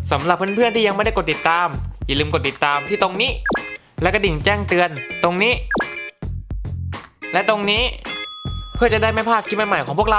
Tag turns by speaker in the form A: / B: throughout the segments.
A: สำหรับเพื่อนๆที่ยังไม่ได้กดติดตามอย่าลืมกดติดตามที่ตรงนี้และกระดิ่งแจ้งเตือนตรงนี้และตรงนี้เพื่อจะได้ไม่พลาดคลิปใหม่ๆของพวกเรา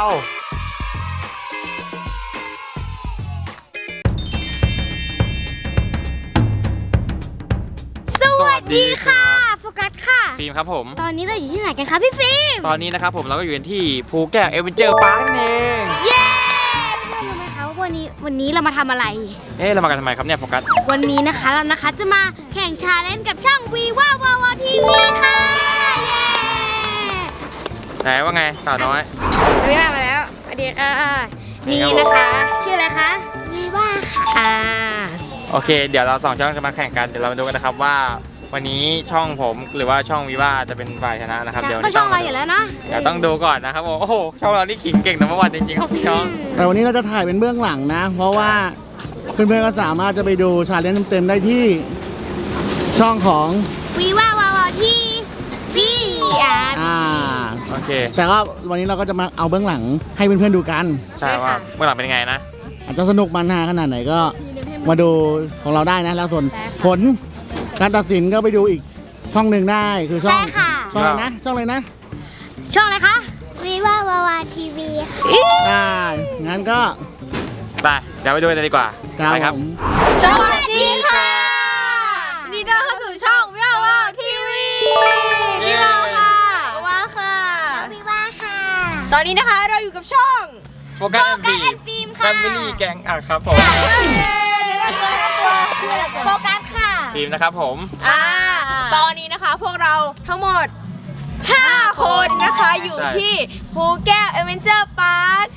B: สวัสดีค่ะโฟกัสค่ะ
A: ฟิล์มครับผม
B: ตอนนี้เราอยู่ที่ไหนกันคะพี่ฟิล์ม
A: ตอนนี้นะครับผมเราก็อยู่ที่ภูแก้วเอเวนเจอร์พาร์คนั่นเอง
B: เย้รู้ไหมคะว่าวันนี้เรามาทำอะไร
A: เรามากันทำไมครับเนี่ยโฟกัส
B: วันนี้นะคะเราจะมาแข่งชาเลนจ์กับช่องวีว่าวาวทีวีค่ะเย้
A: ไหนว่าไงสาวน้อย
B: วีว่ามาแล้วสวัสดีค่ะนี่นะคะชื่ออะไรคะวีว่าค่ะ
A: โอเคเดี๋ยวเราสองช่องจะมาแข่งกันเดี๋ยวเรามาดูกันนะครับว่าวันนี้ช่องผมหรือว่าช่องวีว่าจะเป็นฝ่ายชนะนะครับเดี๋ยว
B: ก็ช่องเราอยู่แล้วนะ
A: เดี๋ยวต้องดูก่อนนะครับโอ้โหช่องเรานี่ขิงเก่งนะเมื่อวานจริงๆครับพี่น้อง
C: แต่วันนี้เราจะถ่ายเป็นเบื้องหลังนะเพราะว่าเพื่อนๆก็สามารถจะไปดูชาเลนจ์เต็มๆได้ที่ช่องของ
B: วีว่าวาวทีวี
A: โอเค
C: แต่ก็วันนี้เราก็จะมาเอาเบื้องหลังให้เพื่อนๆดูกัน
A: ใช่ว่าเบื้องหลังเป็นยังไงนะ
C: อาจจะสนุกมันฮาขนาดไหนก็มาดูของเราได้นะแล้วส่วนผลการตัดสินก็ไปดูอีกช่องหนึ่งได้คือช่องอะไรนะช่องอะไรนะ
B: ช่องอะไรคะวีว่าวาวทีวี
C: งั้นก็
A: ไปเดี๋ยวไปดูกันเลยดีกว่าไปครับ
B: สวัสดีค่ะนี่ต้อนรับเข้าสู่ช่องวีว่าวทีวีวีว่าค่ะว่าค่ะวีว่าค่ะตอนนี้นะคะเราอยู่กับช่อง
A: โฟกัสแอนฟิล์มค่ะแฟมิลี่แก๊งครับผม
B: โฟกัสค่ะ
A: ฟิล์มนะครับผม
D: ตอนนี้นะคะพวกเราทั้งหมด5คนนะคะอยู่ที่ภูแก้วเอเวนเจอร์พาร์ค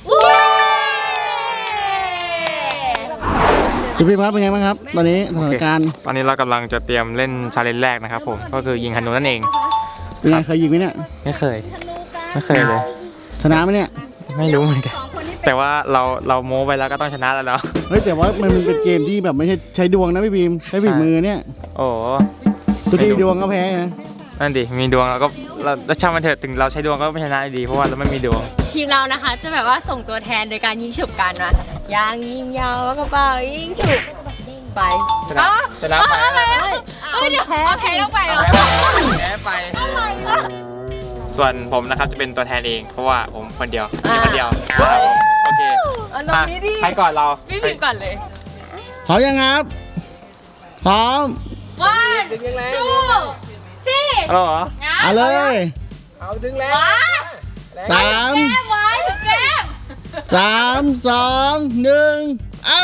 C: พี่ครับเป็นไงบ้างครับตอนนี้สถานการณ์
A: ตอนนี้เรากำลังจะเตรียมเล่นชาเลนจ์แรกนะครับผมก็คือยิงธนูนั่นเอง
C: เป็นไงเคยยิงไหมเนี่ย
A: ไม่เคยเลย
C: ชนะไหมเนี่ย
A: ไม่รู้เหมือนกันแต่ว่าเราโม้ไปแล้วก็ต้องชนะแล้วเนาะ
C: เฮ้ยแต่ว่ามันเป็นเกมที่แบบไม่ใช่ใช้ดวงนะพี่บีมใช้ฝีมือเนี่ย
A: โอ้
C: ทุกทีดวงก็แพ้นะ
A: นั่นดิมีดวงเราก็เราช่างมันเถอะถึงเราใช้ดวงก็ไม่ชนะดีเพราะว่าเราไม่มีดวง
D: ทีมเรานะคะจะแบบว่าส่งตัวแทนโดยการยิงฉุบกันนะยางยิงยาวแล้วก็เป่ายิงฉุบไป
A: ชนะไป
D: เดี๋ยวแพ้ต้องไปเหรอ
A: แพ้ไปส่วนผมนะครับจะเป็นตัวแทนเองเพราะว่าผมคนเดียวโอเคใครก่อนเรา
D: พี่พิมก่อนเลย
C: พร้อมยังครับพร้อม
D: 1 2 3
A: เอาเหรอ
C: เอาเลย
A: เอาดึงแล้ว
C: 3 2 1เอา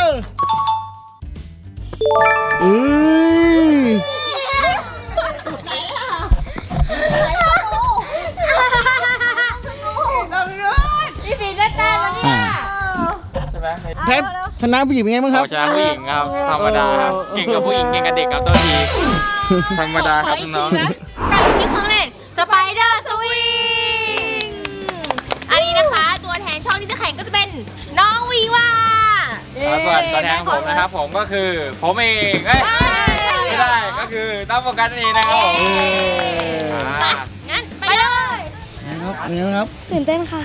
C: แพ้ชนะผู้หญิงเป็นไงบ้างครับ
A: ชนะผู้หญิงครับธรรมดาครับเก่งกับผู้หญิงเก่งกับเด็กครับตัวทีธรรมดาครับน้อง
D: ที่เครื่องเล่นสไปเดอร์สวิงอันนี้นะคะตัวแทนช่องที่จะแข่งก็จะเป็นน้องวีว่า
A: ส่วนตัวแทนผมนะครับผมก็คือผมเองไม่ได้ก็คือต้องโฟกัสนี่นะครับผม
D: งั้นไปเลย
C: ครับ
B: ตื่นเต้นค่ะ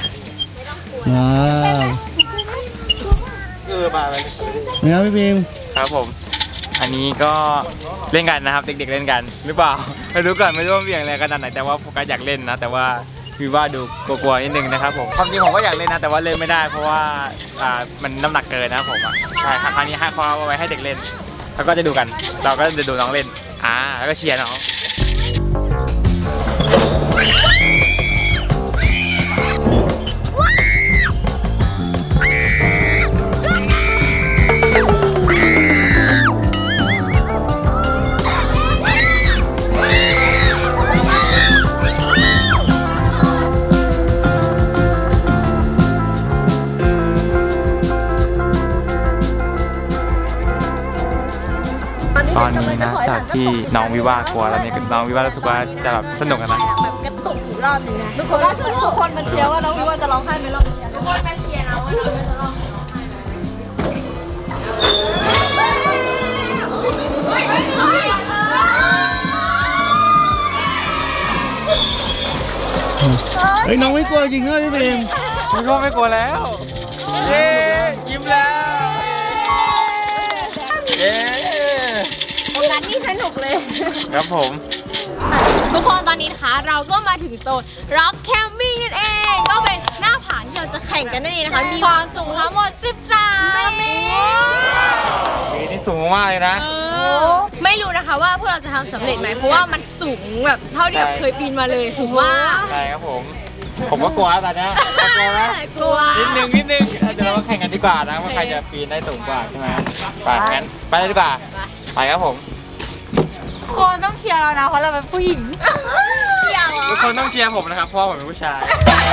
C: มาเลยเนี่ยพี่พิม
A: ครับผมอันนี้ก็เล่นกันนะครับเด็กๆเล่นกันหรือเปล่าไม่รู้ก่อนไม่รู้ว่าเบี่ยงอะไรขนาดไหนแต่ว่าโฟกัสอยากเล่นนะแต่ว่าคือว่าดูกลัวๆนิดนึงนะครับผมความจริงผมก็อยากเล่นนะแต่ว่าเล่นไม่ได้เพราะว่ามันน้ำหนักเกินนะครับผมใช่ครั้งนี้ให้ความเอาไว้ให้เด็กเล่นแล้วก็จะดูกันเราก็จะดูน้องเล่นแล้วก็เชียร์น้องตอนนี้นะจากที่น้องวิวากลัวแล้วเนี่ยน้องวิวารู้สึกว่าจะแบบสนุกกันนะ
D: แบบกระตุกอีกรอบนึงนะทุกคนมาเชียร์ว่าน้องวิวาจะร้องไห้ไหมรอบนี้ทุกคนมาเชียร์นะว่าน้องวิวาจะร้อง
C: เฮ้ยน้องไม่กลัวจริงเหรอพี่พิม
A: ไม่กลัวแล้วเย้ยิ้มแล้วย้
D: โฟกัสนี่สนุกเลย
A: ครับผม
D: ทุกคนตอนนี้นะคะเราก็มาถึงโซน Rock Camping นั่นเอง ก็เป็นหน้าผาที่เราจะแข่งกันนั่นเองนะคะ มีความสูงทั้งหมด 13 เมตร
A: ปีนี้สูงมากเลยนะ
D: ไม่รู้นะคะว่าพวกเราจะทำสำเร็จไหม เพราะว่ามันสูงแบบเท่าที่แบบเคยปีนมาเลยสูงมาก
A: ใช่ครับผม ผมก็กลัวตอนนี้กลัวไหม
D: กลัว
A: นิดนึงเดี๋ยวเรามาแข่งกันดีกว่านะว่าใครจะปีนได้สูงกว่าใช่ไหมไปงั้นไปเลยดีกว่าไปครับผม
B: คนต้องเชียร์เรานะเพราะเราเป็นผู้หญิง
D: เที่ยวเหรอ
A: ทุกคนต้องเชียร์ผมนะครับเพราะว่าผมเป็นผู้ชาย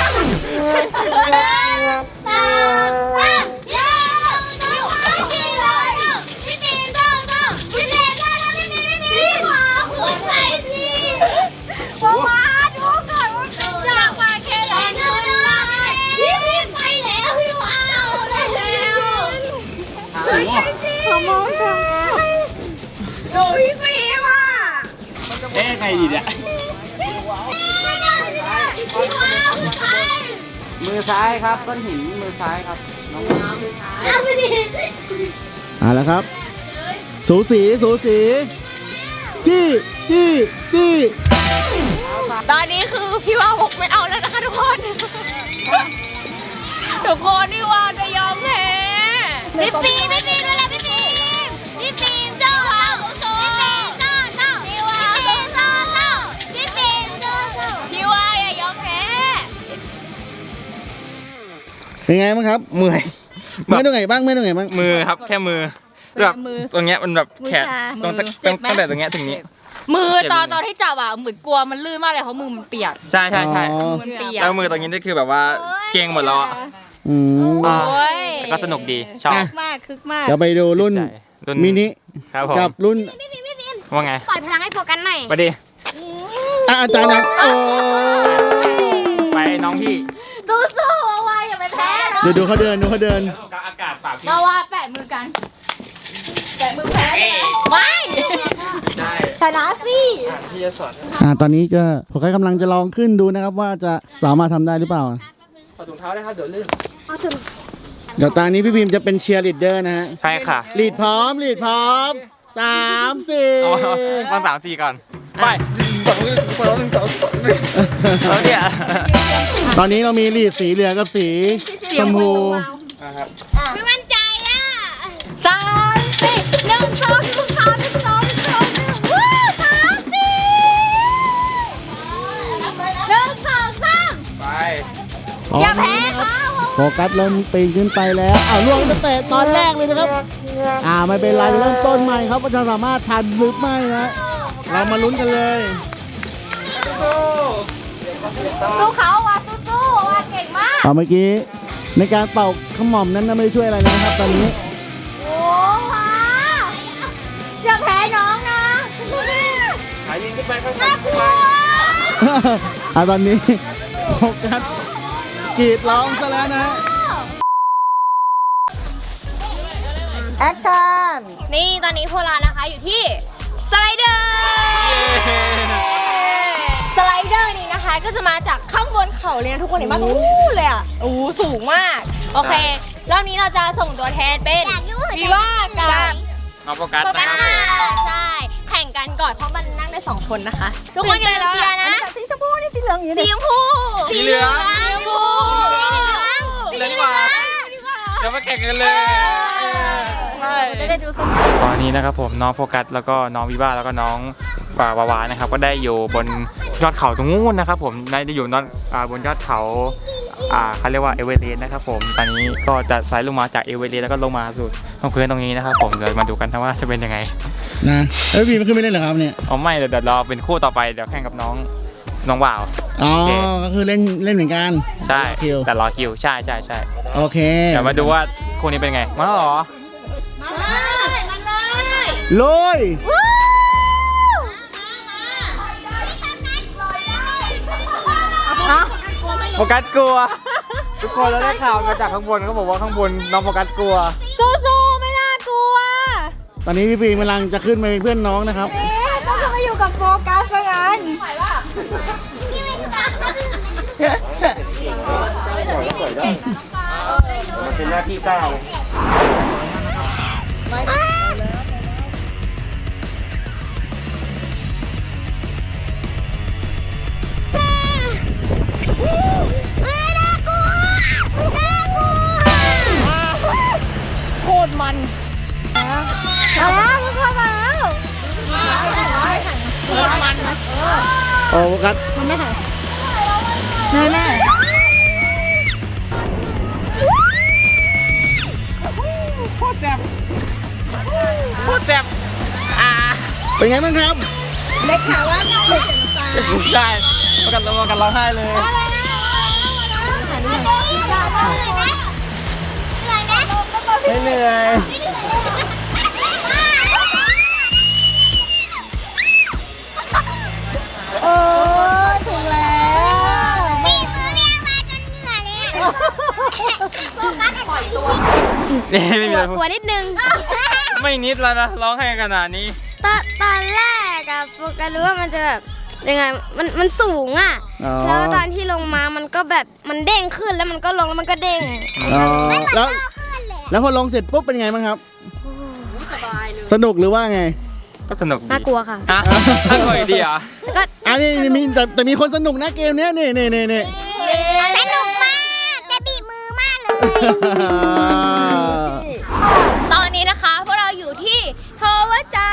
B: ดูพี่ฟิล์มอ่ะ
A: เอ๊ะไงดีเนี่ยมือซ้ายครับก้อนหินมือซ้ายครับน้อง
C: แล้วครับ สูสีจี้
D: ตอนนี้คือพี่ว่าบอกไม่เอาแล้วนะคะทุกคน ทุกคนนี่ว่าจะยอมแพ้พี่ปีเวลาพี่ปีโซ่พี่ว่าอย่ายอมแพ้
C: เป็นไงบ้างครับ
A: เมื่อย
C: ไม่ตรงไหนบ้าง
A: มือครับแค่มือแบบตรงเนี้ยมันแบบแขนตรงตั้งแต่ตรงเนี้ยถึงนี้
B: มือตอนที่จับอ่ะเหมือนกลัวมันลื่นมากเลยเพราะมือมันเปียก
A: ใช่
C: อ๋อ
B: มันเปียก
A: แล้วมือตรงนี้นี่คือแบบว่าเก่งหมดแล้วอะ
C: อืม
A: อ่า
B: โอ้ย
A: ก็สนุกดีชอบ
C: อ่ะ
B: คึกมาก
C: เดี๋ยวไปดูรุ่น
A: ใจรุ่น
C: มินิ
A: ครับผม
C: กับรุ่น
A: ว่าไง
D: ปล่อยพลังให้โฟกัสหน่อย
A: ไปดิ
C: อาจารย์นะโอ้
A: ไปน้องพี่
D: สู้ๆเอาไว้อย่าไปแพ้นะ
C: ดูเขาเดิน
A: อากาศปากพี่
B: มาว่าแปะมือกัน แปะมือแพ้ไม่
A: ใช่
B: ชนะสิ
A: พี่จะสอน
C: ตอนนี้ก็ผมกำลังจะลองขึ้นดูนะครับ ว่าจะสามารถทำได้หรือเปล่า
A: ถอดถุงเท้าได้ครับเดี๋ยวลื่น
C: เดี๋ยวตอนนี้พี่พิมพ์จะเป็นเชียร์ลีดเดอร์นะฮะ
A: ใช่ค่ะ
C: ลีดพร้อม 3
A: อ๋อ
C: 4
A: ต้อง3-4ก่อนไปแล้วเนี่ย
C: ตอนนี้เรามีลีดสีเหลืองกับสีชมพู
A: นะครับ
D: ไม่มั่นใจอ่ะ3 4 1 2 1 3 1 2 1 วู้3 4 1 2 3
A: ไป
D: อย่าแพ้เขา
C: โฟกัสเริ่มปีนขึ้นไปแล้วล่วงตั้งแต่ตอนแรกเลยนะครับ ไม่เป็นไรเริ่มต้นใหม่ครับว่าจะสามารถทันหรือไม่นะเรามาลุ้นกันเลย
D: สู้เขาว่ะสู้ว่ะเก่งมาก
C: เมื่อกี้ในการเป่าขมอมนั้นไม่ได้ช่วยอะไรเลยนะครับ ตอนนี้
D: โอ้ว้าอย่าแพ้น้องนะ
A: ขายิงขึ้นไปข้างบ
D: น่าน กลัว
C: ตอนนี้โฟกัสกรีดร้องซะแล้วนะฮะ
B: แอคชั่น
D: นี่ตอนนี้พวกเรานะคะอยู่ที่สไลเดอร์สไลเดอร์นี้นะคะก็จะมาจากข้างบนเขาเลยนะทุกคนเห็นไหมตรงนู้นเลยอ่ะโอ้สูงมากโอเครอบนี้เราจะส่งตัวแทนเป็นวีว่ากับ
A: น้องโฟกัส
D: โฟกั
A: นะ
D: ส
A: ครับ
D: ใช่แข่งกันก่อนเพราะมันนั่งได้2 คนนะคะทุกคนอย่าลืมเชียร์นะ
B: สีชมพูนี่สีเหลืองอยู่
D: สี
B: นี่
D: ชมพู
A: สีเหลือง
D: สีชมพู
A: สีเหลืองดีกว่า เดี๋ยวมาแข่งกันเลย
B: จะได้ดูสนุก
A: ตอนนี้นะครับผมน้องโฟกัสแล้วก็น้องวิว่าแล้วก็น้องวาวานะครับก็ได้อยู่บนยอดเขาตรงนู้นนะครับผมได้อยู่บนยอดเขาเขาเรียกว่าเอเวอเรสต์นะครับผมตอนนี้ก็จะสายลงมาจากเอเวอเรสต์แล้วก็ลงมาสู่พื้นตรงนี้นะครับผมเดี๋ยวมาดูกันนะว่าจะเป็นยังไง
C: นะพี่มันขึ้นไม่เล่นเหรอครับเนี่ย
A: อ๋อไม่เดี๋ยวรอเป็นคู่ต่อไปเดี๋ยวแข่งกับน้องว่าว
C: อ๋อ
A: โอเค
C: ก็คือเล่นเหมือนกัน
A: ใช่
C: คิว
A: แต่รอคิวใช่
C: โอเค
A: เดี๋ยวมาดูว่าคู่นี้เป็นไงมาแล้วเหรอ
D: มาเลยมาเลย
C: ลุย
A: โฟกัสกลัวทุกคนเราได้ข่าวมาจากข้างบนเขาบอกว่าข้างบนน้องโฟกัสกลัว
B: สู้ๆไม่น่ากลัว
C: ตอนนี้พี่ปีกำลังจะขึ้นไปเป็นเพื่อนน้องนะครับ
B: ต้องจะมาอยู่กับโฟกัสซะงั้น
A: มันเป็นหน้าที่เจ้า
B: มาแล้วทุกคนมาแล้ว
C: โอ้กัส
B: แม่แม่
A: โคตรแซ่บ
C: เป็นไงบ้างครับ
B: เล็กขาว่าเล็ก
A: ใช่ประกันร้องไห้เลย ไม่เหนื่อย
B: โอ้ถึงแล้วมีมือเรียกมาจนเหนื่อยเลยโฟกัสปล่อยตัว
A: นี่ไม่มีอะไร
B: กลัวนิดนึง
A: ไม่นิดแล้วนะร้องไห้ขนาดนี้
B: ตอนแรกอะโฟกัสรู้ว่ามันจะแบบยังไงมันสูงอะ
C: อ๋อ
B: แล้วตอนที่ลงมามันก็แบบมันเด้งขึ้นแล้วมันก็ลงแล้วมันก็เด้ง
C: อ๋อแล้วพอลงเสร็จปุ๊บเป็นไงบ้างครับ
D: สบายเลย
C: สนุกหรือว่าไง
A: ก็สนุกดี
B: น่ากลัวค่ะ
A: ฮะน่ากลัวอีกดีเหรอ
B: แล้วก็
C: อันนี้มีแต่มีคนสนุกนะเกมเนี้ยนี่
B: สนุกมากแต่บีบมือมากเลย
D: ตอนนี้นะคะพวกเราอยู่ที่โทวจา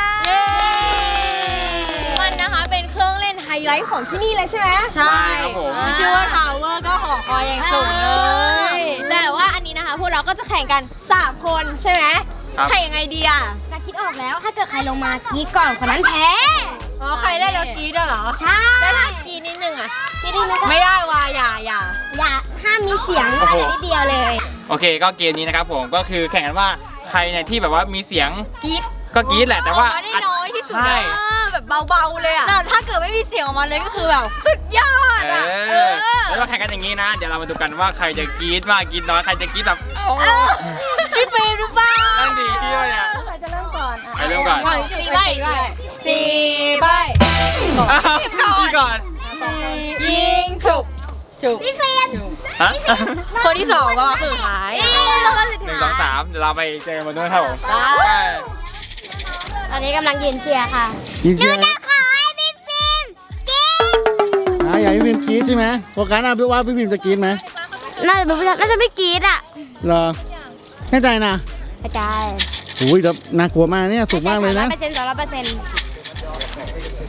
D: มันนะคะเป็นเครื่องเล่นไฮไลท์ของที่นี่เลยใช่ไหมใช่
A: ครับผม
D: ชื่อว่าทาวเวอร์ก็หอคอยอย่างสูงเลยแต่ว่าอันนี้นะคะพวกเราก็จะแข่งกัน3คนใช่ไหม
A: ครับ
D: แข่งยังไงดีอ่ะ
B: จะคิดออกแล้วถ้าเกิดใครลงมากรีดก่อนคนนั้นแพ้
D: อ๋อใครได้แล้วกรีดด้วยเหรอ
B: ใช่
D: ได้ถ้ากรีดนิดนึงอ่ะ
B: ไม่ได้นะ
D: ไม่ได้ว่าอย่า
B: อย่าห้ามมีเสียง
A: โอ้โห
B: นิดเดียวเลย
A: โอเคก็เกมนี้นะครับผมก็คือแข่งกันว่าใครเนี่ยที่แบบว่ามีเสียง
D: กรีด
A: ก็กรี๊ดแหละแต่ว่า
D: ออกมาได้น้อยที่สุด
A: ใช่
D: แบบเบาๆเลยอ่ะแต่ถ้าเกิดไม่มีเสียงออกมาเลยก็คือแบบสุดยอดอ่ะ
A: แล้วมาแข่งกันอย่างนี้นะ เดี๋ยวเรามาดูกันว่าใครจะกรี๊ดมากกรี๊ดน้อยใครจะกรี๊ดแบบ
D: พี่ฟิล์มหรือเปล่า
A: นั่นดีที่ว่าเนี่ย
B: ใครจะเริ่มก่อน
A: ใครเริ่มก่อน
D: สี่ใบ4 ใบ
A: พี่ก่อน
D: ยิงฉุบ
B: พี่เฟรม
A: ฮะ
D: คนที่2ก็สุดท้าย
B: แล้วก็สุด
A: หนึ่งส
B: ท้า
A: อง
B: ย
A: สามเดี๋ยวเราไปเจอกันบนนู้นครับผม
B: ตอนนี้กำลังยืนเชียร์ค่ะ
C: ยินเชียร์
B: ขอให้พี่ฟิล์มกิน
C: อยากให้พี่พิมกรี๊ดใช่ไหมโฟกัสพี่ว่าพี่พิมจะกรี๊ดไหม
B: น่าจะไม่กรีดอ่ะ
C: เหรอแน่ใจนะ
B: อาจารย์
C: อุ้ยแล้วน่ากลัวมากเนี่ยสูงมากเลยนะ
B: 100%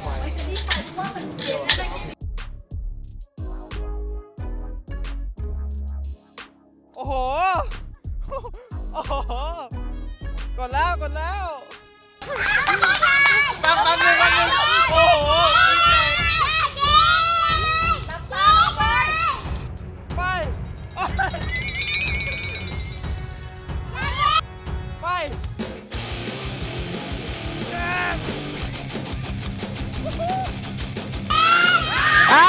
A: โอ้โห โอ้โห กดแล้วแป๊บนึงโอ้โห ไป ไป
C: อ้าว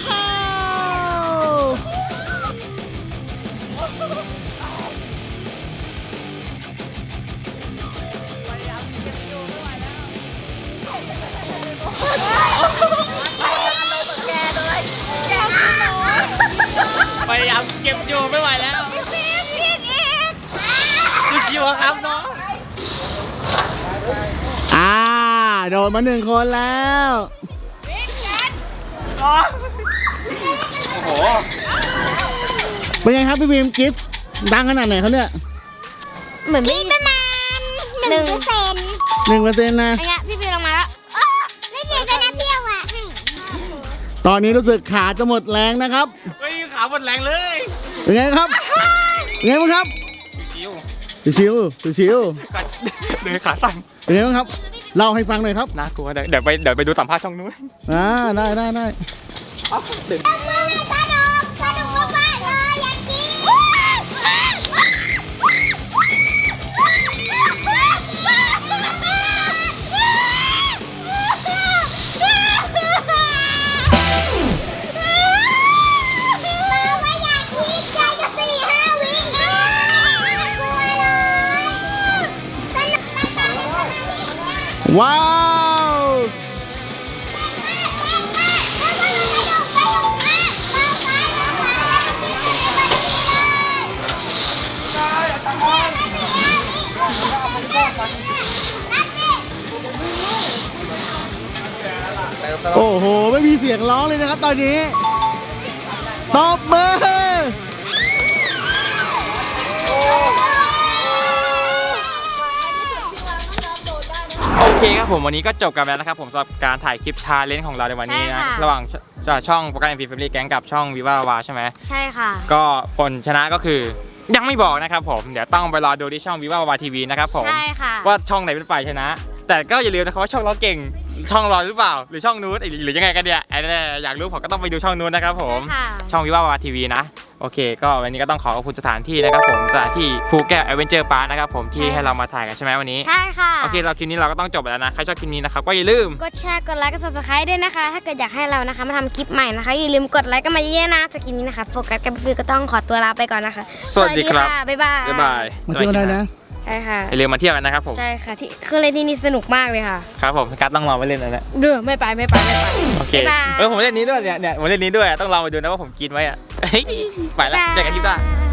A: พยายามเก็บอยู่ไม่ไหวแล้วชิวๆครับน้อง
C: โดนมา1 คนแล้ว
A: โอ้โห
C: เป็นไงครับพี่พิมกรี๊ดดังขนาดไหนเขาเนี่ย
B: เหมือนพี่ประมาณ1%
C: 1%นะ
B: อะไรเงี้ยพี่ฟิล์มลงมาแล้วไม่เก่งก็นะเพี่ยวอ่ะ
C: ตอนนี้รู้สึกขาจะหมดแรงนะครับ
A: เฮ้ยขาหมดแรงเลย
C: เป็นไงครับเป็นไงบ้างครับ
A: ชิว
C: ชิวชิว
A: ๆกัดเลยขาสั่น
C: เป็นไงบ้างครับเล่าให้ฟังหน่อยครับ
A: น่ากลัวเดี๋ยวไปดูสัมภาษณ์ช่องนู้น
C: ได้
B: สนุกมากเลยอยากกินว่าอยากกินใจจะ4-5 วิเองกลัวเลยสนุก
C: ว้าว โอ้โห ไม่มีเสียงร้องเลยนะครับตอนนี้ตบมือ
A: เคครับผมวันนี้ก็จบกันแล้วนะครับผมสำหรับการถ่ายคลิปชาเลนจ์ของเราในวันนี้นะระหว่างช่องโฟกัส MP Family Gang กับช่องวิวาวาใช่ไหม
D: ใช่ค่ะ
A: ก็ผลชนะก็คือยังไม่บอกนะครับผมเดี๋ยวต้องไปรอดูที่ช่องวิวาวาทีวีนะครับผม
D: ใช่ค่ะ
A: ว่าช่องไหนเป็นฝ่ายชนะ แต่ก็อย่าลืมนะครับว่าช่องเราเก่งช่องเราหรือเปล่าหรือช่องนู้นหรือยังไงกันเนี่ยไอ้เนี่ยอยากรู้ผมก็ต้องไปดูช่องนู้นนะครับผม
D: ใช่ค่ะ
A: ช่องวิวาวาทีวีนะโอเคก็วันนี้ก็ต้องขอบคุณสถานที่นะครับผมสถานที่ภูแก้วแอดเวนเจอร์พาร์คนะครับผมที่ให้เรามาถ่ายกันใช่ไหมวันนี้
D: ใช่ค่ะ
A: โอเคเราคลิปนี้เราก็ต้องจบแล้วนะใครชอบคลิปนี้นะครับก็อย่าลืม
D: กดแชร์กดไลค์กด subscribe ด้วยนะคะ ถ้าเกิดอยากให้เรานะคะมาทำคลิปใหม่นะคะอย่าลืมกดไลค์กันมาเยอะๆนะจากคลิปนี้นะคะโฟกัสกับฟิวก็ต้องขอตัวลาไปก่อนนะคะ
A: สวัสดีครับ
D: ะบ๊ายบาย
A: บ๊ายบาย
C: มาเที่ยวได้นะ
D: ใช่ค่ะ
A: อย่าลืมมาเที่ยวกันนะครับผม
D: ใช่ค่ะที่เครื่องเล่นที่นี่สนุกมากเลยค่ะ
A: ครับผมการดต้องลองไปเล่นนะเนี่ย
D: เดือไม่ไป
A: โอเค
D: บ๊ายบาย
A: ผมเล่นนี้ด้วยเนี่ยผมเล่นนี้ด้วยต้องลองไปดูนะว่าผมกินไว้อะ ไปละเจอกันคลิปหน้า